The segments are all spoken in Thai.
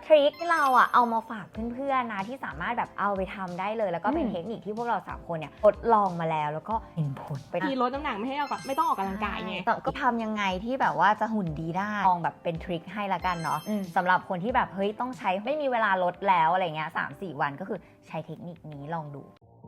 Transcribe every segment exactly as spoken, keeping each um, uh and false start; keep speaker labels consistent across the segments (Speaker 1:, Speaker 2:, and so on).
Speaker 1: ริคที่เราอ่ะเอามาฝากเพื่อนๆนะที่สามารถแบบเอาไปทำได้เลยแล้วก็เป็นเทคนิคที่พวกเราสามคนเนี่ยทดลองมาแล้วแล้วก็เห็นผลไป
Speaker 2: ที่ลดน้ำหนักไม่ให้ออกไม่ต้องออกกำลังกายไง
Speaker 1: แต่ก็ทำยังไงที่แบบว่าจะหุ่นดีได้ลองแบบเป็นทริคให้ละกันเนาะสำหรับคนที่แบบเฮ้ยต้องใช้ไม่มีเวลาลดแล้วอะไรเงี้ยสามสี่วันก็คือใช้เทคนิคนี้ลองดู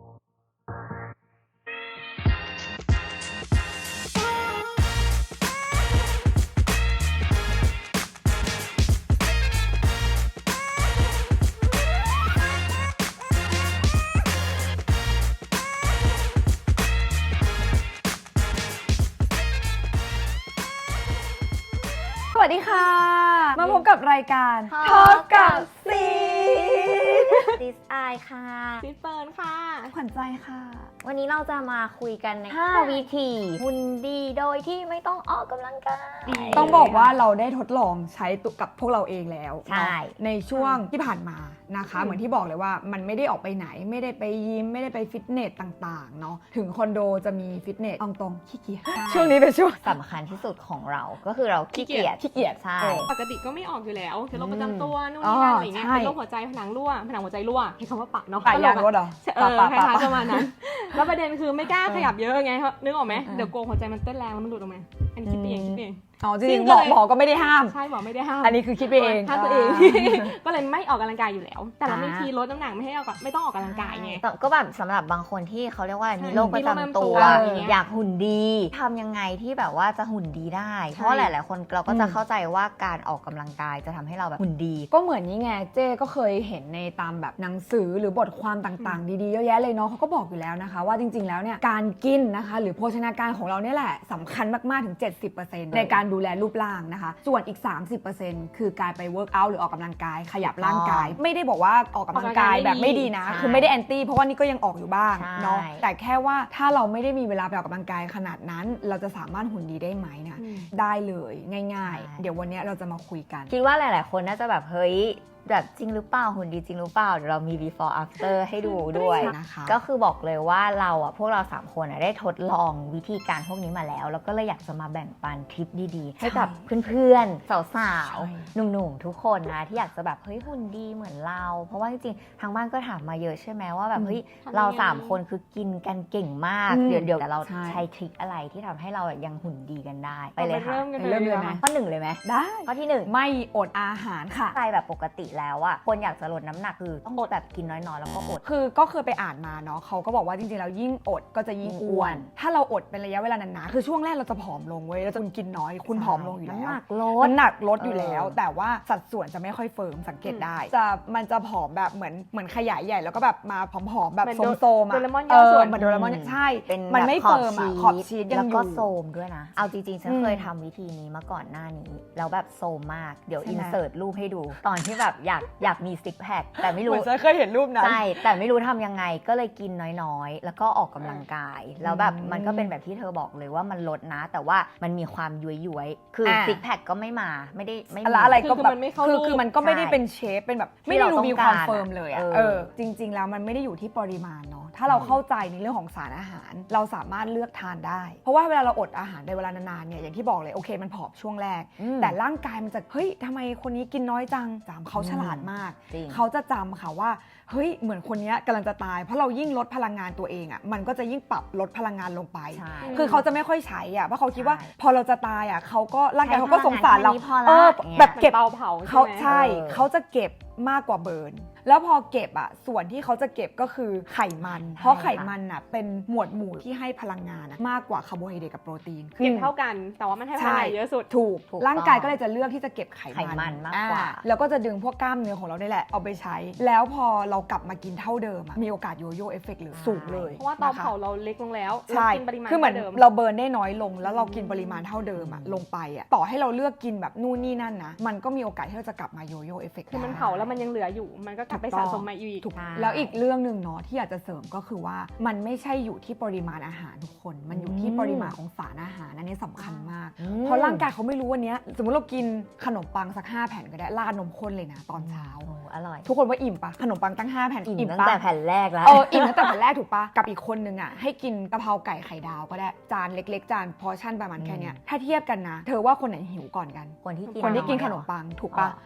Speaker 3: สวัสดีค่ะมาพบกับรายการทอล์กกับซี
Speaker 1: ดิสไอค่ะ
Speaker 2: ซิสเปิร์นค่ะ
Speaker 3: ขวัญใจค่ะ
Speaker 1: วันนี้เราจะมาคุยกันในห้าวิธีหุ่นดีโดยที่ไม่ต้องออกกำลังกาย
Speaker 3: ต้องบอกว่าเราได้ทดลองใช้ตัวกับพวกเราเองแล้ว
Speaker 1: ใช่
Speaker 3: ในช่วงที่ผ่านมานะคะเหมือนที่บอกเลยว่ามันไม่ได้ออกไปไหนไม่ได้ไปยิมไม่ได้ไปฟิตเนสต่างๆเนาะถึงคอนโดจะมีฟิตเนสตรงๆขี้เกียจช่วงนี้เป็นช่วง
Speaker 1: สำคัญที่สุดของเราก็คือเราขี้เกียจ
Speaker 3: ขี้เกียจ
Speaker 1: ใช่
Speaker 2: ปกติก็ไม่ออกอยู่แล้วคือโรคประจำตัวนู่นนี่นั่นอะไรเงี้ยเป็นโรคหัวใจผนังรั่วผนังหัวใจรั่วใช้คำว่าปะเนาะ
Speaker 3: ปะยางรถเหรอ
Speaker 2: เออคล้ายๆประมาณนั้นแล้วประเด็นคือไม่กล้าขยับเยอะไงนึกออกไหมเดี๋ยวกลัวหัวใจมันเต้นแรงแล้วมันหลุดออกมาอันนี้คิดเองคิดเอง
Speaker 3: อ๋อจริงๆหมอหมอก็ไม่ได้ห้าม
Speaker 2: ใช่หมอไม่ได้ห้าม
Speaker 3: อันนี้คือคิดไปเอง
Speaker 2: ห้ามตัวเองก็เลยไม่ออกกำลังกายอยู่แล้วแต่เราไม่ทีลดน้ำหนักไม่ให้ออกไม่ต้องออกกำลังกายไง
Speaker 1: ก็แบบสำหรับบางคนที่เขาเรียกว่ามีโรคประจำตัวอยากหุ่นดีทำยังไงที่แบบว่าจะหุ่นดีได้เพราะหลายๆคนเราก็จะเข้าใจว่าการออกกำลังกายจะทำให้เราแบบหุ่นดี
Speaker 3: ก็เหมือนนี้ไงเจ๊ก็เคยเห็นในตามแบบหนังสือหรือบทความต่างๆดีๆเยอะแยะเลยเนาะเขาก็บอกอยู่แล้วนะคะว่าจริงๆแล้วเนี่ยการกินนะคะหรือโภชนาการของเราเนี่ยแหละสำคัญมากๆถึง เจ็ดสิบเปอร์เซ็นต์ ในการดูแลรูปร่างนะคะส่วนอีก สามสิบเปอร์เซ็นต์ คือการไปเวิร์กอัลหรือออกกำลังกายขยับร่างกายไม่ได้บอกว่าออกกำลังกายแบบไม่ดีนะคือไม่ได้แอนตี้เพราะว่านี่ก็ยังออกอยู่บ้างเนาะแต่แค่ว่าถ้าเราไม่ได้มีเวลาไปออกกำลังกายขนาดนั้นเราจะสามารถหุ่นดีได้ไหมนะได้เลยง่ายๆเดี๋ยววันนี้เราจะมาคุยกัน
Speaker 1: คิดว่าหลายๆคนน่าจะแบบเฮ้ยแบบจริงหรือเปล่าหุ่นดีจริงหรือเปล่าเดี๋ยวเรามี before after ให้ดูด้วยนะคะก็คือบอกเลยว่าเราอ่ะพวกเราsามคนอ่ะได้ทดลองวิธีการพวกนี้มาแล้วแล้วก็เลยอยากจะมาแบ่งปันทริปดีๆให้กับเพื่อนๆสาวๆหนุ่มๆทุกคนนะที่อยากจะแบบเฮ้ยหุ่นดีเหมือนเราเพราะว่าจริงๆทางบ้านก็ถามมาเยอะใช่ไหมว่าแบบเฮ้ยเราสามคนคือกินกันเก่งมากเดี๋ยวเดี๋ยวแต่เราใช้ทริคอะไรที่ทำให้เรายังหุ่นดีกันได้ไปเลยค่ะ
Speaker 3: เริ่มเลยไหม
Speaker 1: ข้อหนึ่งเลยไหม
Speaker 3: ได้
Speaker 1: ข้อที่หนึ่ง
Speaker 3: ไม่อดอาหารค่ะ
Speaker 1: ใช่แบบปกติแล้วอะคนอยากจะลดน้ำหนักคือต้องอดแบบกินน้อยๆแล้วก็อด
Speaker 3: คือก็เคยไปอ่านมาเนาะเขาก็บอกว่าจริงๆแล้วยิ่งอดก็จะยิ่งอ้วนถ้าเราอดเป็นระยะเวลานานๆคือช่วงแรกเราจะผอมลงเว้ยแล้วจะกินน้อยคุณผอมลงอยู่แล้ว
Speaker 1: น้ำหนักลด
Speaker 3: น้ำหนักลดอยู่แล้วแต่ว่าสัดส่วนจะไม่ค่อยเฟิร์มสังเกตได้จะมันจะผอมแบบเหมือนเหมือนขยายใหญ่แล้วก็แบบมาผอมๆแบบโซมๆอะเออเหมือนโดเรมอนใช่มันไม่เฟิร์มอะขอบชีสยังอยู่
Speaker 1: แล้วก็โซมด้วยนะเอาจริงๆฉันเคยทำวิธีนี้มาก่อนหน้านี้แล้วแบบโซมมากเดี๋ยวอินเสิร์ตรูปให้ดูตอนที่แบบอยากอยากมีซิกแพคแต่ไม่รู้
Speaker 3: เคยเห็นรูปนั้น
Speaker 1: ใช่แต่ไม่รู้ทำยังไงก็เลยกินน้อยๆแล้วก็ออกกำลังกายแล้วแบบมันก็เป็นแบบที่เธอบอกเลยว่ามันลดนะแต่ว่ามันมีความย้วยๆคือซิกแพคก็ไม่มาไม่ได้ไม่
Speaker 3: มีอะไรก็แบบคือคือมันก็ไม่ได้เป็นเชฟเป็นแบบไม่ได้ดูมีความเฟิร์มเลยอะเออจริงๆแล้วมันไม่ได้อยู่ที่ปริมาณเนาะถ้าเราเข้าใจในเรื่องของสารอาหารเราสามารถเลือกทานได้เพราะว่าเวลาเราอดอาหารในเวลานานๆเนี่ยอย่างที่บอกเลยโอเคมันผอมช่วงแรกแต่ร่างกายมันจะเฮ้ยทำไมคนนี้กินน้อยจังจำเขาฉลาดมากเขาจะจำค่ะว่าเฮ้ยเหมือนคนนี้กำลังจะตายเพราะเรายิ่งลดพลังงานตัวเองอ่ะมันก็จะยิ่งปรับลดพลังงานลงไปคือเขาจะไม่ค่อยใช้อ่ะเพราะเขาคิดว่าพอเราจะตายอ่ะเขาก็ร่างกายเขาก็สงสารเราเออแบบเก็บ
Speaker 2: เตาเผา
Speaker 3: เขาใช่เขาจะเก็บมากกว่าเบิร์นแล้วพอเก็บอ่ะส่วนที่เขาจะเก็บก็คือไขมันเพราะไขมันอ่ะเป็นหมวดหมู่ที่ให้พลังงานมากกว่าคาร์โบไฮเดรตกับโปรตีน
Speaker 2: เก็บเท่ากันแต่ว่ามันให้พลังงานเยอะสุด
Speaker 3: ถูกร่างกายก็เลยจะเลือกที่จะเก็บไข
Speaker 1: มันมากกว่า
Speaker 3: แล้วก็จะดึงพวกกล้ามเนื้อของเราได้แหละเอาไปใช้แล้วพอเรากลับมากินเท่าเดิมมีโอกาสโยโย่เอฟเฟกต์หรือสูงเลย
Speaker 2: เพราะว่าเตาเผาเราเล็กลงแล้ว
Speaker 3: ใช่คือเหมือนเราเบิร์นได้น้อยลงแล้วเรากินปริมาณเท่าเดิมอะลงไปอะต่อให้เราเลือกกินแบบนู่นนี่นั่นนะมันก็มีโอกาสที่เราจะกลับมาโยโย่เอฟเฟกต์
Speaker 2: คือมันเผาแล้วมันยังเหลืออยู่มันก็กลับไปสะสมมาอีก
Speaker 3: แล้วอีกเรื่องหนึ่งเนาะที่อยากจะเสริมก็คือว่ามันไม่ใช่อยู่ที่ปริมาณอาหารทุกคนมันอยู่ที่ปริมาณของสารอาหารอันนี้สำคัญมากเพราะร่างกายเขาไม่รู้วันนี้สมมติเรากินขนมปังสักห้าแผ่นก็ได้ราดนมข้นเลยนะตอนเช้า
Speaker 1: อร่อย
Speaker 3: ทุกคนว่าอิ่มปะขนมปังตั้งห้าแผ่น
Speaker 1: อิ่มตั้งแต่แผ่นแรกแล้ว
Speaker 3: เอออิ่มตั้งแต่แผ่นแรกถูกปะกับอีกคนนึงอ่ะให้กินกะเพราไก่ไข่ดาวก็ได้จานเล็กๆจานพอชั่นประมาณแค่นี้ถ้าเทียบกันนะเธอว่าคนไหนหิวก่อนกัน
Speaker 1: คนที่กิน
Speaker 3: คนที่กินขนมปังถูกปะ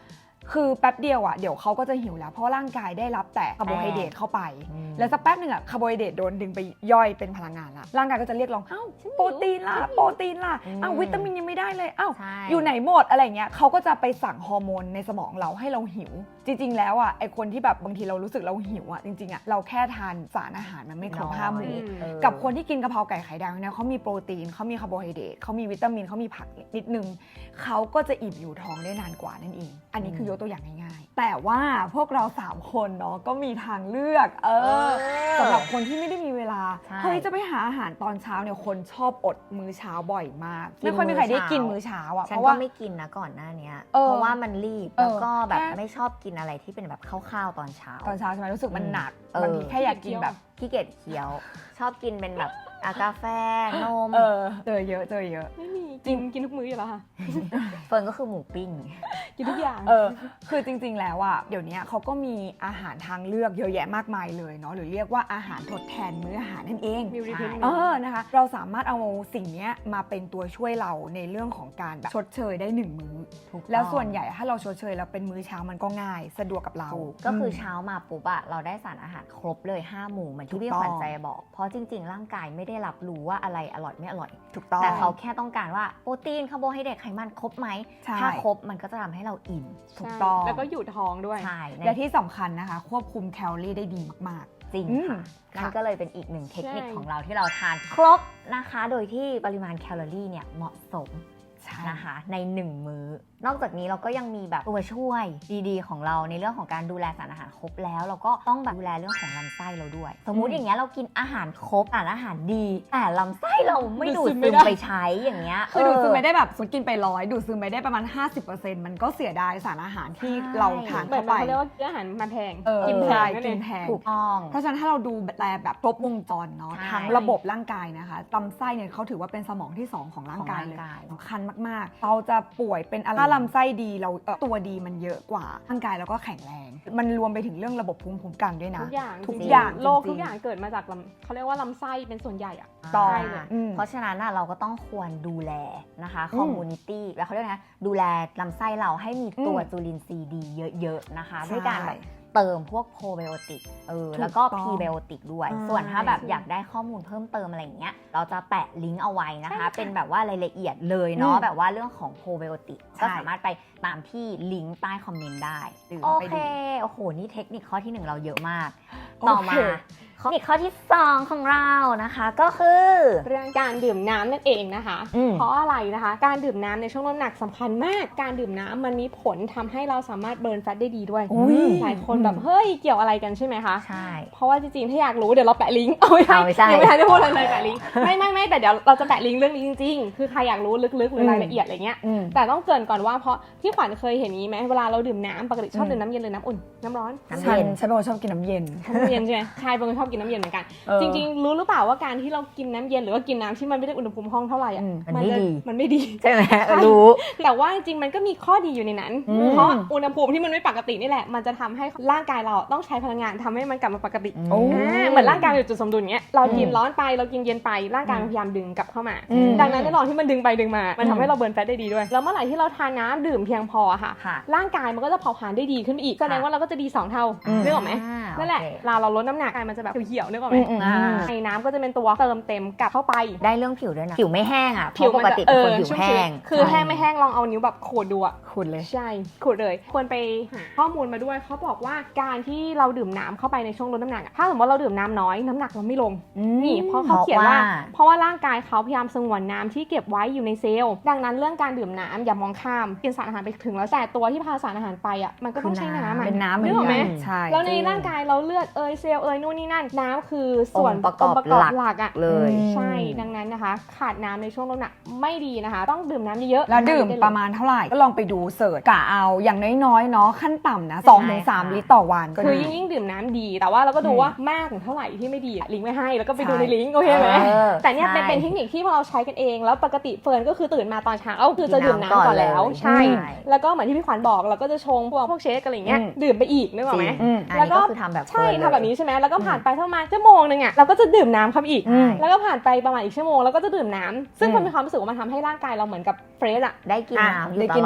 Speaker 3: คือแป๊บเดียวอ่ะเดี๋ยวเขาก็จะหิวแล้วเพราะร่างกายได้รับแต่คาร์โบไฮเดรตเข้าไปแล้วสักแป๊บหนึ่งอ่ะคาร์โบไฮเดรตโดนดึงไปย่อยเป็นพลังงานละร่างกายก็จะเรียกร้องอ้าวโปรตีนล่ะโปรตีนล่ะอ้าววิตามินยังไม่ได้เลยอ้าวอยู่ไหนหมดอะไรเงี้ยเขาก็จะไปสั่งฮอร์โมนในสมองเราให้เราหิวจริงๆแล้วอ่ะไอคนที่แบบบางทีเรารู้สึกเราหิวอ่ะจริงๆอ่ะเราแค่ทานสารอาหารมันไม่ครบห้าหมู่กับคนที่กินกะเพราไก่ไข่ดาวเนี่ยเขามีโปรตีนเขามีคาร์โบไฮเดรตเขามีวิตามินเขามีผักนิดนึงเขาก็จะอิ่มอยู่ท้องได้นานกว่านั่นเองอันนี้คือยกตัวอย่างง่ายๆแต่ว่าพวกเราสามคนเนาะก็มีทางเลือกเออสำหรับคนที่ไม่ได้มีเวลาเฮ้ยจะไปหาอาหารตอนเช้าเนี่ยคนชอบอดมื้อเช้าบ่อยมากไม่ค่อยมีใครได้กินมื้อเช้าอ่ะ
Speaker 1: ฉั
Speaker 3: เพ
Speaker 1: น
Speaker 3: ราะ
Speaker 1: ก็
Speaker 3: ว่า
Speaker 1: ไม่กินนะก่อนหน้านี้
Speaker 3: เออ
Speaker 1: เพราะว่ามันรีบแล้วก็แบบ
Speaker 3: แค่
Speaker 1: ไม่ชอบกินอะไรที่เป็นแบบข้าวๆตอนเช้า
Speaker 3: ตอนเช้าใช่ไหมรู้สึกมันหนัก
Speaker 1: เออ
Speaker 3: บางทีแค่อยากกินแบบ
Speaker 1: ขี้เกียจเคี้ยว ชอบกินเป็นแบบอากาแฟนม
Speaker 3: เออเจอเยอะเจอเยอะ
Speaker 2: ไม่มีกินกินทุกมื้ออยู่แล้วค่ะ
Speaker 1: เฟิร์นก็คือหมูปิ้ง
Speaker 2: กินทุกอย่าง
Speaker 3: เออคือจริงๆแล้วอ่ะเดี๋ยวนี้เขาก็มีอาหารทางเลือกเยอะแยะมากมายเลยเนาะหรือเรียกว่าอาหารทดแทนมื้ออาหารนั่นเอง
Speaker 2: มี replacement
Speaker 3: เออนะคะเราสามารถเอาสิ่งนี้มาเป็นตัวช่วยเราในเรื่องของการแบบชดเชยได้หนึ่งมื้อ
Speaker 1: ถูกต้อง
Speaker 3: แล้วส่วนใหญ่ถ้าเราชดเชยแล้วเป็นมื้อเช้ามันก็ง่ายสะดวกกับเรา
Speaker 1: ถูกก็คือเช้ามาปุ๊บอะเราได้สารอาหารครบเลยห้าหมู่เหมือนที่พี่ขวัญใจบอกเพราะจริงๆร่างกายไม่ได้รับรู้ว่าอะไรอร่อยไม่อร่อย
Speaker 3: ถูกต้อง
Speaker 1: แต่เขาแค่ต้องการว่าโปรตีนคาร์โบไฮเดรตไขมันครบไหม
Speaker 3: ใช่
Speaker 1: ถ้าครบมันก็จะทำให้เราอิ่ม
Speaker 3: ถูกต้อง
Speaker 2: แล้วก็อยู่ท้องด้วย
Speaker 1: ใช่ใน
Speaker 3: และที่สำคัญนะคะควบคุมแคลอรี่ได้ดีมาก
Speaker 1: จริง
Speaker 3: อืม
Speaker 1: ค่ะ
Speaker 3: ค่ะ
Speaker 1: นั่นก็เลยเป็นอีกหนึ่งเทคนิค
Speaker 2: ใช่
Speaker 1: ของเราที่เราทานครบนะคะ โดยที่ปริมาณแคลอรี่เนี่ยเหมาะสม
Speaker 3: ๆใช่
Speaker 1: นะคะในหนึ่งมื้อนอกจากนี้เราก็ยังมีแบบตัวช่วยดีๆของเราในเรื่องของการดูแลสารอาหารครบแล้วเราก็ต้องแบบดูแลเรื่องของลำไส้เราด้วย สมมุติอย่างเงี้ยเรากินอาหารครบสารอาหารดี แต่ลำไส้เราไม่ดูดซึมไปใช้อย่างเงี้ย
Speaker 3: คือดูดซึมไม่ได้แบบสมมติกินไปร้อยดูดซึมไม่ได้ประมาณ ห้าสิบเปอร์เซ็นต์ มันก็เสียดายสารอาหารที่เราทาน
Speaker 2: เหมือ
Speaker 3: เข้าน ไป
Speaker 2: เขาเรียกว่าอาหารมาแพง
Speaker 3: เออ
Speaker 2: กินแพ
Speaker 3: ใช่
Speaker 2: งนั่นเอ
Speaker 3: กิ
Speaker 2: ง
Speaker 3: นแพง
Speaker 1: ถูกต้อง
Speaker 3: เพราะฉะนั้นถ้าเราดูแลแบบครบวงจรเนาะ
Speaker 1: ใช่
Speaker 3: ทั้งระบบร่างกายนะคะลำไส้เนี่ยเขาถือว่าเป็นสมองที่สองของร่างกายเลย
Speaker 1: ของร่างกาย
Speaker 3: สำคัญมากๆ เราจะป่วยเป็นอะไรถ้าลำไส้ดีเราเอ่อตัวดีมันเยอะกว่าร่างกายเราก็แข็งแรง มันรวมไปถึงเรื่องระบบภูมิคุ้มกันด้วยนะ
Speaker 2: ทุกอย่าง
Speaker 3: ทุก
Speaker 2: จริงๆ
Speaker 3: อย่าง
Speaker 2: โรค
Speaker 3: จริงๆ
Speaker 2: ทุกอย่างเกิดมาจากลำเขาเรียกว่าลำไส้เป็นส่วนใหญ่อะ
Speaker 3: ต่อ
Speaker 2: ใช่เลย
Speaker 3: อืม
Speaker 1: เพราะฉะนั้นน่ะเราก็ต้องควรดูแลนะคะ
Speaker 3: อืม
Speaker 1: คอมมูนิตี้แล้วเขาเรียกนะดูแลลำไส้เราให้มีตัว
Speaker 3: อืม
Speaker 1: จุลินทรีย์ดีเยอะๆนะคะ
Speaker 3: ใช่
Speaker 1: ด้วยการแบบเติมพวกโปรไบโอติกเออ
Speaker 3: ถูก
Speaker 1: แล้วก็
Speaker 3: ต้อง
Speaker 1: พรีไบโอติกด้วย
Speaker 3: ใช่
Speaker 1: ส่วนถ้าแบบอยากได้ข้อมูลเพิ่มเติมอะไรอย่างเงี้ยเราจะแปะลิงก์เอาไว้นะคะ เป็นแบบว่ารายละเอียดเลยเนาะ
Speaker 3: อืม
Speaker 1: แบบว่าเรื่องของโปรไบโอติก
Speaker 3: ใช่
Speaker 1: ก็สามารถไปตามที่ลิงก์ใต้คอมเมนต์ได้
Speaker 3: หรือ
Speaker 1: โอ
Speaker 3: ไป
Speaker 1: เค
Speaker 3: ดู
Speaker 1: โอ้โหนี่เทคนิคข้อที่หนึ่งเราเยอะมาก
Speaker 3: โอเค
Speaker 1: ต่อมาเทคนิคข้อที่สองของเรานะคะก็คือ
Speaker 2: เรื่องการดื่มน้ำนั่นเองนะคะ
Speaker 1: อืม
Speaker 2: เพราะอะไรนะคะ การดื่มน้ำในช่วงลดน้ำหนักสำคัญมาก การดื่มน้ำมันมีผลทำให้เราสามารถเบิร์นแฟตได้ดีด้วย
Speaker 3: อุ๊ย
Speaker 2: หลายคนแบบเฮ้ยเกี่ยวอะไรกันใช่ไหมคะ
Speaker 1: ใช่
Speaker 2: เพราะว่าจริงๆ ถ้าอยากรู้เดี๋ยวเราแปะลิงก์ เอาไม่ใช่
Speaker 1: เอาไม่ใช่
Speaker 2: ยังไม่ทันได้พูดอะไรเลยแปะลิงก์ ไม่ไม่ไม่แต่เดี๋ยวเราจะแปะลิงก์เรื่องนี้จริงๆ คือใครอยากรู้ลึกๆหรือรายละเอียดอะไรเงี้ย
Speaker 3: อืม
Speaker 2: แต่ต้องเกริ่นก่อนว่าเพราะพี่ขวัญเคยเห็นนี้ไหมเวลาเราดื่มน้ำปกติชอบ
Speaker 3: อืม
Speaker 2: ดื่มน้ำเย็นหรือน้ำอุ่น น้ำร้อน
Speaker 1: น้ำ
Speaker 3: ฉั
Speaker 1: เย็
Speaker 3: น
Speaker 1: น
Speaker 3: ฉันเป็นคนชอบกินน้ำเย็น
Speaker 2: น้ำเย็นใช่ไหมใช่เป็นคนชอบกินน้ำเย็นเหมือนกัน
Speaker 3: เออ
Speaker 2: จริงๆ รู้หรือเปล่าว่าการที่เรากินน้ำเย็นหรือว่ากินน้ำที่มันไม่ได้อุณหภูมิห้องเท่าไหร่อ่ะ
Speaker 3: อืม
Speaker 1: มันไม่
Speaker 2: จะ
Speaker 1: ดี
Speaker 2: มันไม่ดี
Speaker 1: ใช่ไหมเออรู้
Speaker 2: แต่ว่าจริงๆ มันก็มีข้อดีอยู่ในนั้น
Speaker 3: อืม
Speaker 2: เพราะอุณหภูมิที่มันไม่ปกตินี่แหละ มันจะทำให้ร่างกายเราต้องใช้พลังงานทำให้มันกลับมาปกติ
Speaker 3: โอ้
Speaker 2: อ่าเหมือนร่างกายอยู่จุดสมดุลเงี้ย เรากิน
Speaker 3: อืม
Speaker 2: ร้อนไป เรากินเย็นไป ร่างกายมันพยายามดึงกลับเข้ามา
Speaker 3: อืม
Speaker 2: ดังนั้นในระหว่างที่มันดึงไปดึงมา มัน
Speaker 3: อื
Speaker 2: ทำ
Speaker 3: ม
Speaker 2: ให้เราเบิร์นแฟตได้ดีด้วย แล้วเมื่อไหร่ที่เราทานน้ำดื่มเพียงพออะค่ะ
Speaker 1: ค่ะ
Speaker 2: ร่างกายมันก็จะเผาผลาญได้ดีขึ้นไปอีก แสดงว่าเราก็จะดีสองเท่า
Speaker 3: อืม
Speaker 2: นึกออกไหม
Speaker 1: อ่า
Speaker 2: นั่นแหละ
Speaker 1: โอเค
Speaker 2: เวลาเราลดน้ำหนักกายมันจะแบบเหี่ยวๆนึกออกไหม
Speaker 3: อืมอืม
Speaker 1: อ่า
Speaker 2: ไอ้น้ำก็จะเป็นตัวเติมเต็มกลับเข้าไป
Speaker 1: ได้เรื่องผิวด้วยนะ ผิวไม่แห้งอ่ะเพ
Speaker 2: ผิว
Speaker 1: ราะป
Speaker 2: มัน
Speaker 1: ก
Speaker 2: จะ
Speaker 1: ติ
Speaker 2: เอ
Speaker 1: เป็นคน
Speaker 2: อ
Speaker 1: ผิว
Speaker 2: ชุ่ม
Speaker 1: แห้
Speaker 2: ชื้น
Speaker 1: ง
Speaker 2: คือแห้งไม่แห้งลองเอานิ้วแบบขูดดูอะ
Speaker 3: ขุดเลย
Speaker 2: ใช่ขูดเลยควรไปหาข้อมูลมาด้วยเขาบอกว่าการที่เราดื่มน้ำเข้าไปในช่วงลดน้ำหนักอะถ้าสมมติเราดื่มน้ำน้อยน้ำหนักเราไม่ลงนี่เพราะเขาเขียนว่า เพราะว่าร่างกายเขาพยายามสงวนน้ำที่เก็บไว้อยู่ในเซลล์ดังนั้นเรื่องการดื่มน้ำอย่ามองข้ามกินสารอาหารไปถึงแล้วแต่ตัวที่พาสารอาหารไปอ่ะมันก็ต้องใช้น้ำอะ
Speaker 3: เป็นน้ำเหมื
Speaker 2: นึ
Speaker 3: อน
Speaker 2: กออกไหม
Speaker 3: กันใช่
Speaker 2: แล้วในร่างกายเราเลือดเอยเซลล์เอยนู่นนี่นั่นน้ำคือส่วน
Speaker 1: องค์ประกอบ
Speaker 2: งค์ประกอบ
Speaker 1: หลัก
Speaker 2: หลักอ่ะ
Speaker 1: เลย
Speaker 3: อืม
Speaker 2: ใช่ดังนั้นนะคะ ขาดน้ำในช่วงลดน้ำหนักไม่ดีนะคะ ต้องดื่มน้ำเยอะๆ
Speaker 3: แล้วดื่มประมาณเท่าไหร่ก็ลองไปดูเสิร์ชกะเอาอย่างน้อยๆเนาะขั้นต่ำนะสองถึงสาม
Speaker 1: ใช่ค่ะ
Speaker 3: ลิตรต่อวันก็
Speaker 2: คือ
Speaker 3: ดี
Speaker 2: ยิ่งยิ่งดื่มน้ำดี แต่ว่าเราก็ดู
Speaker 3: อืม
Speaker 2: ว่ามากถึงเท่าไหร่ที่ไม่ดีอะลิงก์ไว้ให้แล้วก็ไปดู
Speaker 3: ใช่
Speaker 2: ในลิงก์โอเคไหม
Speaker 1: เออ
Speaker 2: แต่เนี่ยเป็น
Speaker 1: ใช่
Speaker 2: เป็นเทคนิคที่พอเราใช้กันเอง แล้วปกติเฟิร์นก็คือตื่นมาตอนเช้าคือจะดื่มน้ำก่อนแล้ว
Speaker 1: กินน้ำก่อนเลย
Speaker 2: ใช่
Speaker 1: ใช่
Speaker 2: แล้วก็เหมือนที่พี่ขวัญบอกเราก็จะชงพวกพวกเชคอะไรเงี้ย
Speaker 3: อืม
Speaker 2: ดื่มไปอีกนึกออกไหม
Speaker 1: จริง
Speaker 3: อืม
Speaker 1: อัน
Speaker 2: แล้ว
Speaker 1: นี้
Speaker 2: ก็
Speaker 1: ก็คือทำแบบ
Speaker 2: ใช่
Speaker 1: เฟิร์นเลย
Speaker 2: ทำแบบนี้ใช่ไหมแล้วก็ผ่านไปประมาณชั่วโมงนึงอ่ะเราก็จะดื่มน้ำเข้าไปอีก
Speaker 3: อืม
Speaker 2: แล้วก็ผ่านไปประมาณอีกชั่วโมงแล้วก็จะดื่มน้ำซึ่ง
Speaker 3: อืม
Speaker 2: มันมีความรู้สึกว่ามันทำให้ร่างกายเราเหมือนกับเฟรชอ่ะ
Speaker 1: ได้กิน
Speaker 3: อ่ะ
Speaker 1: น้ำอยู่
Speaker 3: ได้
Speaker 1: ต
Speaker 3: กิน
Speaker 1: ลอด
Speaker 3: น้ำ
Speaker 1: เว
Speaker 3: ไปตลอด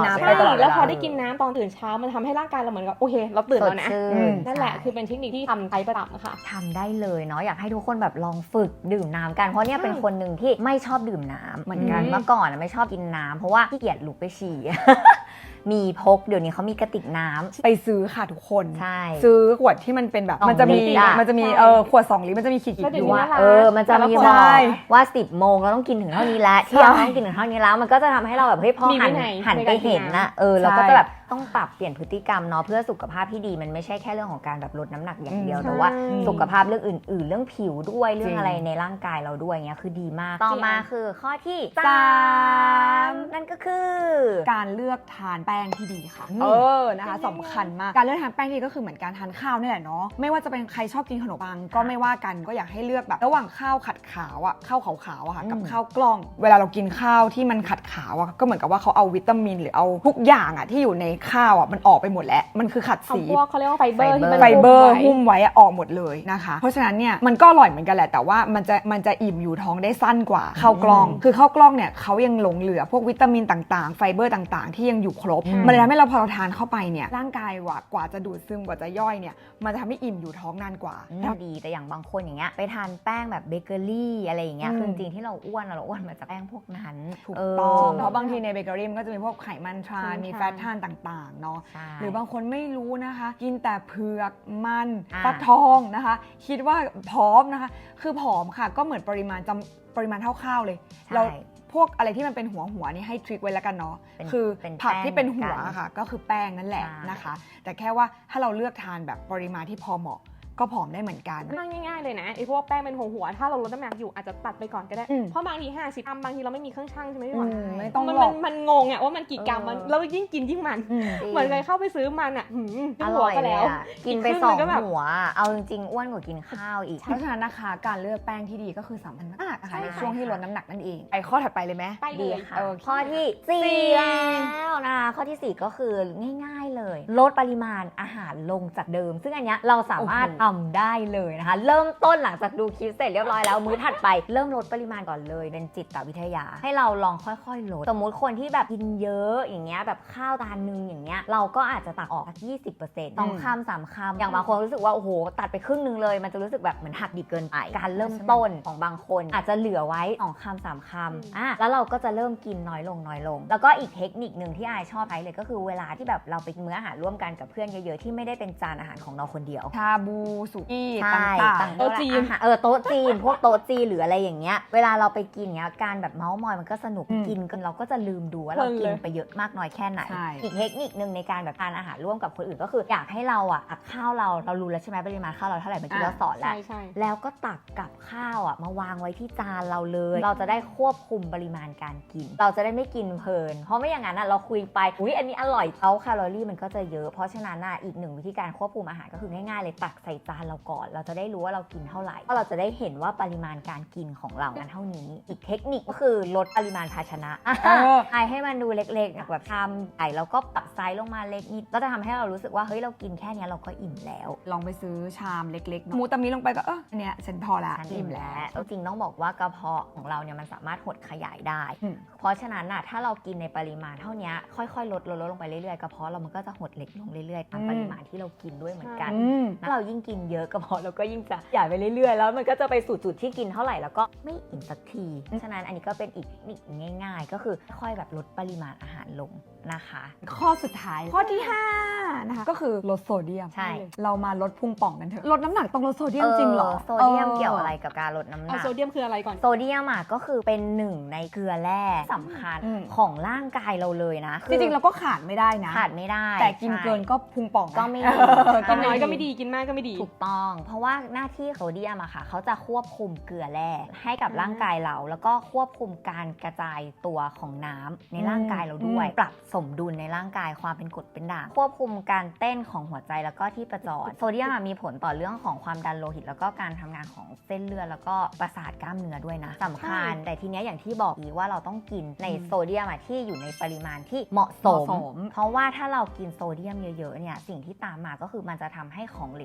Speaker 1: ดเวลา
Speaker 2: แล้วพอได้กินน้ำตอนตื่นเช้ามันทำให้ร่างกายเราเหมือนกับโอเคเราตื่นแล้วนะ
Speaker 1: สดชื่
Speaker 3: อืม
Speaker 2: นั่นแหละ
Speaker 1: ใช่
Speaker 2: คือเป็นเทคนิคที่ทำใช้ประจำค่ะ
Speaker 1: ทำได้เลยเนาะอยากให้ทุกคนแบบลองฝึกดื่มน้ำกันเพราะเนี่ย
Speaker 2: ใช่
Speaker 1: เป็นคนหนึ่งที่ไม่ชอบดื่มน้ำเหมือนกัน
Speaker 2: อืม
Speaker 1: เมื่อก่อนอะไม่ชอบกินน้ำเพราะว่าขี้เกียจลุกไปฉี่ มีพกเดี๋ยวนี้เขามีกระติกน้ำ
Speaker 3: ไปซื้อค่ะทุกคน
Speaker 1: ใช่
Speaker 3: ซื้อขวดที่มันเป็นแบบ
Speaker 1: สอง
Speaker 3: มันจะมี
Speaker 1: ลิตรอะ
Speaker 3: มันจะมี
Speaker 2: ใช่
Speaker 3: เออขวดสองลิตรมันจะมีขีดขีด
Speaker 2: แล้วเดี๋
Speaker 3: อ
Speaker 2: ยว
Speaker 3: ยู่
Speaker 2: นี้
Speaker 3: อะ
Speaker 2: น่ารัก
Speaker 1: เออมันจะมี
Speaker 2: แต่ละคน
Speaker 1: บอก
Speaker 3: ใช่
Speaker 1: ว่าสิบโมงเราต้องกินถึงเท่านี้แล้วเที่ยงต้องกินถึงเท่านี้แล้ว มันก็จะทำให้เราแบบเฮ้ยพอ
Speaker 2: มี
Speaker 1: หั
Speaker 2: วิ
Speaker 1: น
Speaker 2: นัย
Speaker 1: หัน
Speaker 2: ใน
Speaker 1: ไป
Speaker 2: การกิน
Speaker 1: เห็น
Speaker 2: น้ำ
Speaker 1: นะเออเรา
Speaker 3: ใช่
Speaker 1: ก็จะแบบต้องปรับเปลี่ยนพฤติกรรมเนาะเพื่อสุขภาพที่ดีมันไม่ใช่แค่เรื่องของการแบบลดน้ำหนักอย่างเดียว
Speaker 2: อืม
Speaker 1: แต่ว่า
Speaker 2: ใช่
Speaker 1: สุขภาพเรื่องอื่น ๆ เรื่องผิวด้วยเรื่อง
Speaker 3: จริง
Speaker 1: อะไรในร่างกายเราด้วยเงี้ยคือดีมากต่อมาคือข้อที่
Speaker 3: สาม
Speaker 1: นั่นก็คือ
Speaker 3: การเลือกทานแป้งที่ดีค่ะ
Speaker 1: อืม
Speaker 3: เออ นะคะสำคัญมาก การเลือกทานแป้งที่ดีก็คือเหมือนการทานข้าวนี่แหละเนาะ ไม่ว่าจะเป็นใครชอบกินขนมปังก็ไม่ว่ากัน ก็อยากให้เลือกแบบ ระหว่างข้าวขัดขาวอะข้าวขาวๆอะค่ะ กับ
Speaker 1: อืม
Speaker 3: ข้าวกล้อง เวลาเรากินข้าวที่มันขัดขาวอะก็เหมือนกับว่าเขาเอาวิตามินหรือเอาทุกอย่างอะที่อยู่ในข้าวอะมันออกไปหมดแล้ว มันคือขัด
Speaker 2: เอา
Speaker 3: สี
Speaker 2: พวกเขาเรียกว่าไฟเบอร์ที่มัน
Speaker 3: ไฟเบอร์
Speaker 2: หุ้
Speaker 3: หุ้
Speaker 2: ม
Speaker 3: ม
Speaker 2: ไว้
Speaker 3: ไว้อะออกหมดเลยนะคะ เพราะฉะนั้นเนี่ยมันก็อร่อยเหมือนกันแหละ แต่ว่ามันจะมันจะอิ่มอยู่ท้องได้สั้นกว่าข้าวกล้อง คือข้าวกล้องเนี่ยเขายังหลงเหลือพวกวิตามินต่างๆ ไฟเบอร์ต่างๆ ที่ยังอยู่ครบ
Speaker 1: อืม
Speaker 3: มันเลยทำให้เราพอเราทานเข้าไปเนี่ยร่างกายว่ากว่าจะดูดซึมกว่าจะย่อยเนี่ยมันจะทำให้อิ่มอยู่ท้องนานกว่า
Speaker 1: ดีแต่อย่างบางคนอย่างเงี้ยไปทานแป้งแบบเบเกอรี่อะไรอย่างเงี้ย
Speaker 3: อืม
Speaker 1: คือจริงๆที่เราอ้วนอะเราอ้วนมาจากแป้งพวกนั้น
Speaker 3: ถูก
Speaker 1: เ
Speaker 3: ต้อง
Speaker 2: เออ
Speaker 3: เพราะบางทีในเบเกอรี่มันก็จะมีพวกไขมันทราน
Speaker 2: ใช่
Speaker 3: มีแฟตทานต่างๆเนาะ
Speaker 1: ใช่
Speaker 3: หรือบางคนไม่รู้นะคะ กินแต่เผือกมัน
Speaker 1: อ่า
Speaker 3: ฟักทองนะคะ คิดว่าผอมนะคะ คือผอมค่ะก็เหมือนปริมาณจำปริมาณเท่าข้าวเลย เรา
Speaker 1: ใช่
Speaker 3: พวกอะไรที่มันเป็นหัวหัวนี่ให้ทริคไว้แล้วกันเนาะ
Speaker 1: เป็น
Speaker 3: คือ
Speaker 1: เป็น
Speaker 3: ผักที่เป็น
Speaker 1: แป้ง
Speaker 3: หัว
Speaker 1: เหมือนกัน
Speaker 3: ค่ะ ก็คือแป้งนั่นแหละ
Speaker 1: ใช่
Speaker 3: นะคะ แต่แค่ว่าถ้าเราเลือกทานแบบปริมาณที่พอเหมาะก็ผอมได้เหมือนกัน
Speaker 2: ง่ายๆเลยนะไอ้พวกแป้งเป็นหัวหัวๆถ้าเราลดน้ำหนักอยู่อาจจะตัดไปก่อนก็ได้
Speaker 3: อืม
Speaker 2: เพราะบางทีห้าสิบกรัมบางทีเราไม่มีเครื่องชั่งใช่ไหมพี่
Speaker 3: อื
Speaker 2: หวาน
Speaker 3: มไม่ต้อง
Speaker 2: มัน
Speaker 3: หร
Speaker 2: มั
Speaker 3: อน ก
Speaker 2: มันงงอะว่ามันกี่กรัมมัน
Speaker 1: เออ
Speaker 2: แล้วยิ่งกินยิ่งมัน
Speaker 3: อืม
Speaker 2: เหมือนเคยเข้าไปซื้อมันอะหืม
Speaker 1: อ
Speaker 2: หั
Speaker 1: ร่
Speaker 2: ว
Speaker 1: อย
Speaker 2: ก็
Speaker 1: เล
Speaker 2: แล้
Speaker 1: ยว อะกินไป
Speaker 2: อีกครึ่ง
Speaker 1: สอง
Speaker 2: มันก็แบบ
Speaker 1: หัว เอาจริงๆอ้วนกว่ากินข้าวอีก
Speaker 3: เพราะฉะนั้นนะคะการเลือกแป้งที่ดีก็คือสำคัญมากนะคะ
Speaker 2: ใช่
Speaker 3: ในช่วงที่ลดน้ำหนักนั่นเองไปข้อถัดไปเลยไหม
Speaker 2: ไปเล
Speaker 1: ดี
Speaker 2: ย
Speaker 1: ค่ะ
Speaker 3: โอเค
Speaker 1: ข้อที่สี่แล้วนะคะข้อที่สี่ก็คือง่ายๆเลย ลดปริมาณอาหารลงจากเดิม ซึ่งอันเนี้ยเราสามารถ
Speaker 3: โอ้โห
Speaker 1: ทำได้เลยนะคะ เริ่มต้นหลังจากดูคลิปเสร็จเรียบร้อยแล้วมื้อถัดไปเริ่มลดปริมาณก่อนเลยเป็นจิตวิทยา ให้เราลองค่อยๆลดสมมุติคนที่แบบกินเยอะอย่างเงี้ยแบบข้าวจานนึงอย่างเงี้ยเราก็อาจจะตักออกสักยี่สิบเปอร์เซ็นต์สองคำสามคำอย่างบางคนรู้สึกว่าโอ้โหตัดไปครึ่งนึงเลยมันจะรู้สึกแบบเหมือนหักดิบเกินไปการเริ่มต้นของบางคนอาจจะเหลือไว้สองคำสามคำอ่ะแล้วเราก็จะเริ่มกินน้อยลงน้อยลง แล้วก็อีกเทคนิคหนึ่งที่อายชอบใช้เลยก็คือเวลาที่แบบเราไปมื้ออาหารร่วมกันกับเพื่อนเยอะๆที่ไม่ได้เป็นจานอาหารของเราคนเดียว
Speaker 3: ชาบูสุกี้
Speaker 1: ใช่
Speaker 3: ต่าง
Speaker 2: โต๊ะจีน
Speaker 1: อาหารเออโต๊ะจีน พวกโต๊ะจีนหรืออะไรอย่างเงี้ยเวลาเราไปกินเงี้ยการแบบเมาส์มอยมันก็สนุกกินกันเราก็จะลืมดูว่าเรากินไปเยอะมากน้อยแค่ไหน
Speaker 3: ใช่
Speaker 1: อีกเทคนิคหนึ่งในการแบบทานอาหารร่วมกับคนอื่นก็คืออยากให้เราอ่ะตักข้าวเราเรารู้แล้วใช่ไหมปริมาณข้าวเราเท่าไหร่เมื่อกี้เราสอนแล้ว
Speaker 2: ใช่ใช่
Speaker 1: แล้วก็ตักกับข้าวอ่ะมาวางไว้ที่จานเราเลย เราจะได้ควบคุมปริมาณการกิน เราจะได้ไม่กินเพลิน เพราะไม่อย่างนั้นอ่ะเราคุยไปอุ้ยอันนี้อร่อยเอาแคลอรี่มันก็จะเยอะ เพราะฉะนั้นอ่ะอีกหนึ่งวิธีการควบคุมอาหารก็คือง่ายๆเลยตักใส่จานเราก่อน เราจะได้รู้ว่าเรากินเท่าไหร่เพราะเราจะได้เห็นว่าปริมาณการกินของเรานั้นเท่านี้ อีกเทคนิคก็คือลดปริมาณภาชนะ
Speaker 3: เออ
Speaker 1: ไอให้มันดูเล็กๆแบบชามใหญ่แล้วก็ปรับไซส์ลงมาเล็กนิดก็จะทำให้เรารู้สึกว่าเฮ้ยเรากินแค่เนี้ยเราก็อิ่มแล้ว
Speaker 3: ลองไปซื้อชามเล็กๆเนอะหมูตามิลงไปก็เอออันเนี้ยฉันพอละ
Speaker 1: ฉันอิ่มแล้วจริงๆต้องบอกว่ากระเพาะของเราเนี่ยมันสามารถหดขยายได้
Speaker 3: อืม
Speaker 1: เพราะฉะนั้นน่ะถ้าเรากินในปริมาณเท่านี้ค่อยๆลดลดลดลงไปเรื่อยๆกระเพาะเรามันก็จะหดเล็กลงเรื่อยๆตามปริมาณที่เรากินด้วยเหมือนกัน
Speaker 3: อืม
Speaker 1: ถ้าเรายิ่งกินเยอะกระเพาะเราก็ยิ่งจะใหญ่ไปเรื่อยๆแล้วมันก็จะไปสู่จุดที่กินเท่าไหร่แล้วก็ไม่อิ่มสักทีฉะนั้นอันนี้ก็เป็นอีกนิดง่าย ๆ ก็คือค่อยๆแบบลดปริมาณอาหารลงนะคะ
Speaker 3: ข้อสุดท้ายข้อที่ห้านะคะก็คือลดโซเดียม
Speaker 1: ใช่
Speaker 3: เรามาลดพุงป่องกันเถอะลดน้ำหนักต้องลดโซเดียมจริงเหรอ
Speaker 1: โซเดียมเกี่ยวอะไรกับการลดน้ำห
Speaker 2: เอา
Speaker 1: นัก
Speaker 2: โซเดียมคืออะไรก่อน
Speaker 1: โซเดียมอ่ะก็คือเป็นหนึ่งในเกลือแร่สำคัญ
Speaker 3: อืม
Speaker 1: ของร่างกายเราเลยนะ
Speaker 3: จริงๆเราก็ขาดไม่ได้นะ
Speaker 1: ขาดไม่ได้
Speaker 3: แต่กินเกิน
Speaker 1: ใช่
Speaker 3: ก็พุงป่องนะ
Speaker 1: ก็ไม่ดี
Speaker 3: เออ
Speaker 2: กินน้อย
Speaker 1: ใช่
Speaker 2: ก็ไม่ดีกินมากก็ไม่ดี
Speaker 1: ถูกต้อง เพราะว่าหน้าที่โซเดียมอะค่ะเขาจะควบคุมเกลือแร่ให้กับ
Speaker 2: อืม
Speaker 1: ร่างกายเรา แล้วก็ควบคุมการกระจายตัวของน้ำในร่างกายเราด้วย
Speaker 3: อืม
Speaker 1: ปรับสมดุลในร่างกายความเป็นกรดเป็นด่างควบคุมการเต้นของหัวใจแล้วก็ที่ประจรโซเดียมอะมีผลต่อเรื่องของความดันโลหิต แล้วก็การทำงานของเส้นเลือดแล้วก็ประสาทกล้ามเนื้อด้วยนะสำคัญ แต่ทีเนี้ยอย่างที่บอกอีกว่าเราต้องกินในโซเดียมอะที่อยู่ในปริมาณที่เหมาะสม
Speaker 3: เหมาะสม
Speaker 1: เพราะว่าถ้าเรากินโซเดียมเยอะๆเนี่ยสิ่งที่ตามมาก็คือมันจะทำให้ของเหลวในร่าง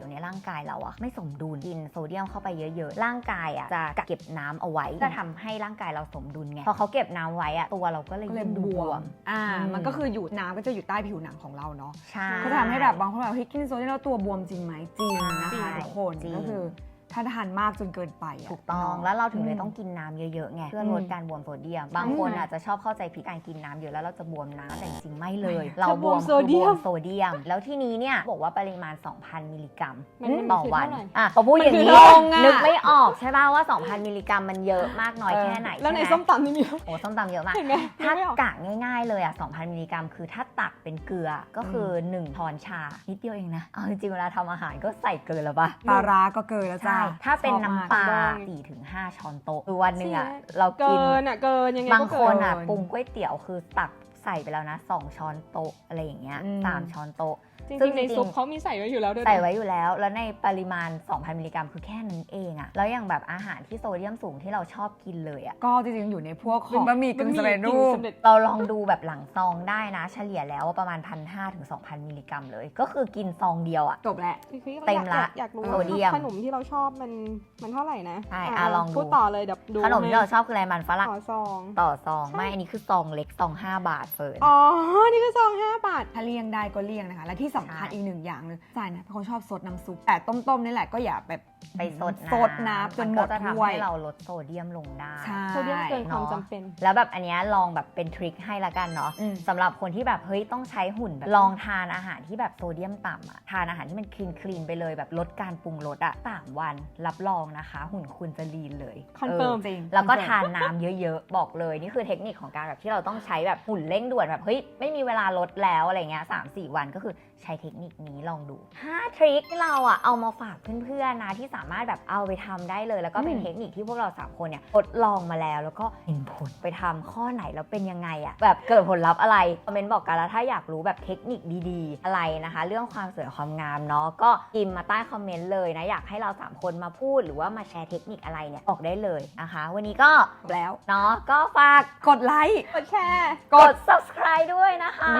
Speaker 1: กายเราอะไม่สมดุลกินโซเดียมเข้าไปเยอะๆร่างกายอะจะกักเก็บน้ำเอาไว้จะทำให้ร่างกายเราสมดุลไงพอเขาเก็บน้ำไว้อะตัวเราก็เลยยิ่งบวม
Speaker 3: อ่ามันก็คืออยู่น้ำก็จะอยู่ใต้ผิวหนังของเราเนาะ
Speaker 1: ใช่
Speaker 3: ก็จะทำให้แบบบางคนแบบเฮ้ยกินโซเดียมแล้วตัวบวมจริงไหมจริงนะคะทุกคน
Speaker 1: จริง
Speaker 3: ก็คือถ้าทานมากจนเกินไปะ
Speaker 1: ถูกต้อง
Speaker 3: เนาะ
Speaker 1: แล้วเราถึงเลยต้องกินน้ำเยอะๆไงเพื่อลด
Speaker 3: อืม
Speaker 1: การบวมโซเดียม บางคนอาจจะชอบเข้าใจผิดการกินน้ำเยอะแล้วเราจะบวมน้ำแต่จริงๆไม่เลย เราบวม
Speaker 2: โซเดียม
Speaker 1: คือบวมโซเดียม แล้วที่นี้เนี่ยบอกว่าปริมาณ สองพัน มิลลิกรัม
Speaker 2: มันมัน
Speaker 1: ต่อ
Speaker 2: คือ
Speaker 1: วัน
Speaker 2: เท่าไหร่
Speaker 1: อ่ะพอพูดอย่างนี้
Speaker 3: มันคือลงอะ
Speaker 1: นึกไม่ออกใช่ป่ะว่า สองพัน มิลลิกรัมมันเยอะมากน้อยแค่ไหน
Speaker 2: แล้วใน
Speaker 1: ช่ไห
Speaker 2: ส้มตำนี่มี
Speaker 1: โอ้ส้มตำเยอะมาก
Speaker 2: เห็นไหม
Speaker 1: ถ้า
Speaker 2: นึกไม่ออก
Speaker 1: กะง่ายๆเลยอ่ะ สองพัน มิลลิกรัม คือถ้าตักเป็นเกลือก็คือหนึ่งช้อนชา นิดเดียวเองนะ เอาจริงๆเวลาทำอาหารก็ใส่เกินแล้วป่ะ
Speaker 3: ปลาร้าก็เกินแล้วจ้า
Speaker 1: ใช่ ถ้าเป็น
Speaker 3: ชอบมาก
Speaker 1: น้ำปลา
Speaker 2: บอง
Speaker 1: สี่ถึงห้า ช้อนโต๊ะคือวันหนึ่งอ่ะ
Speaker 2: ใช่
Speaker 1: เรากิ
Speaker 2: เกิ
Speaker 1: น
Speaker 2: นอ่ะเกินยังไง
Speaker 1: บาง
Speaker 2: ก็
Speaker 1: ค
Speaker 2: เกิ
Speaker 1: น
Speaker 2: น
Speaker 1: อ่ะปรุงก๋วยเตี๋ยวคือตักใส่ไปแล้วนะสองช้อนโต๊ะอะไรอย่างเงี้ย
Speaker 3: อืม
Speaker 1: สามช้อนโต๊ะ
Speaker 2: จ
Speaker 1: ซึ่
Speaker 2: ริ
Speaker 1: ง
Speaker 2: งๆใน
Speaker 1: จริงๆ
Speaker 2: ซุปเขามีใส่ไว้อยู่แล้วด้วยนะ
Speaker 1: ใส่ไว้อยู่แล้ว แล้วในปริมาณ สองพัน มิลลิกรัม คือแค่นั้นเองอะแล้วอย่างแบบอาหารที่โซเดียมสูงที่เราชอบกินเลยอะ
Speaker 3: ก็จริงๆอยู่ในพวกของบะหมี่กึ่งสำเร็จรูป
Speaker 2: สำเร็จ
Speaker 1: เราลองดูแบบหลังซองได้นะ เฉลี่ยแล้วว่าประมาณ หนึ่งพันห้าร้อย ถึง สองพัน มิลลิกรัมเลย ก็คือกินซองเดียวอะ
Speaker 3: จบแล้ว
Speaker 2: คือ
Speaker 1: เต็มละ
Speaker 2: อยากอยากรู้
Speaker 1: โซเดียม
Speaker 2: ขนมที่เราชอบมันมันเท่าไหร่นะ
Speaker 1: ใช่อ่ะลองดู
Speaker 2: พูดต่อเลยเดี๋ยวดู
Speaker 1: ขนมที่เราชอบคืออะไรมันฝรั่ง
Speaker 2: ต่อซอง
Speaker 1: ต่อซอง
Speaker 2: ใช่
Speaker 1: ไม่ อันนี้คือซองเล็กซองห้าบาทเฟิร์น
Speaker 2: อ๋อ นี่คือซองห้าบาท
Speaker 3: ถ้าเลี่ยงได้ก็เลี่ยงนะคะ และที่สำคัญ
Speaker 1: ใช่
Speaker 3: อีกหนึ่งอย่างเลยจ่ายนะเป็นคนชอบซดน้ำซุปแต่ต้มๆนี่แหละก็อย่าแบบ
Speaker 1: ไปซดน้ำ
Speaker 3: ซดน้ำจนหมด
Speaker 1: ก็จะทำ
Speaker 3: ถ้วย
Speaker 1: ให้เราลดโซเดียมลงได้
Speaker 3: ใช่
Speaker 2: โซเดียมเกินความ
Speaker 1: เนาะ
Speaker 2: จำเป็น
Speaker 1: แล้วแบบอันเนี้ยลองแบบเป็นทริคให้ละกันเนาะ
Speaker 3: อืม
Speaker 1: สำหรับคนที่แบบเฮ้ยต้องใช้หุ่นแบบลองทานอาหารที่แบบโซเดียมต่ำอะทานอาหารที่มันคลีนคลีนไปเลยแบบลดการปรุงรสอะสามวันรับรองนะคะ หุ่นคุณจะลีนเลย
Speaker 2: คอนเฟิร์ม
Speaker 3: จริง
Speaker 1: แล้วก็ทานน้ำเยอะๆ บอกเลยนี่คือเทคนิคของการแบบที่เราต้องใช้แบบหุ่นเร่งด่วนแบบเฮ้ยไม่มีเวลาลดแล้วอะไรเงี้ยสามสี่วันก็คือใช้เทคนิคนี้ลองดูห้าทริคที่เราอะเอามาฝากเพื่อนๆนะที่สามารถแบบเอาไปทำได้เลยแล้วก็เป็น
Speaker 3: อืม
Speaker 1: เทคนิคที่พวกเราสามคนเนี่ยทดลองมาแล้วแล้วก็เห็นผลไปทำข้อไหนแล้วเป็นยังไงอะแบบเกิดผลลัพธ์อะไรคอมเมนต์บอกกันแล้วถ้าอยากรู้แบบเทคนิคดีๆอะไรนะคะ เรื่องความสวยความงามเนาะก็พิมพ์มาใต้คอมเมนต์เลยนะอยากให้เราสามคนมาพูดหรือว่ามาแชร์เทคนิคอะไรเนี่ยบอกได้เลยนะคะ วันนี้ก็
Speaker 3: จบแล้ว
Speaker 1: เนาะก็ฝาก
Speaker 3: กดไลค์
Speaker 2: กดแชร์
Speaker 1: กด subscribe ด้วยนะคะ
Speaker 3: เย้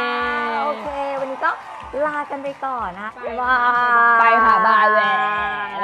Speaker 1: โอเค วันนี้ก็ลากันไปก่อนนะ
Speaker 2: ไป
Speaker 1: บ๊ายบาย
Speaker 3: ไปค่ะบายแล้ว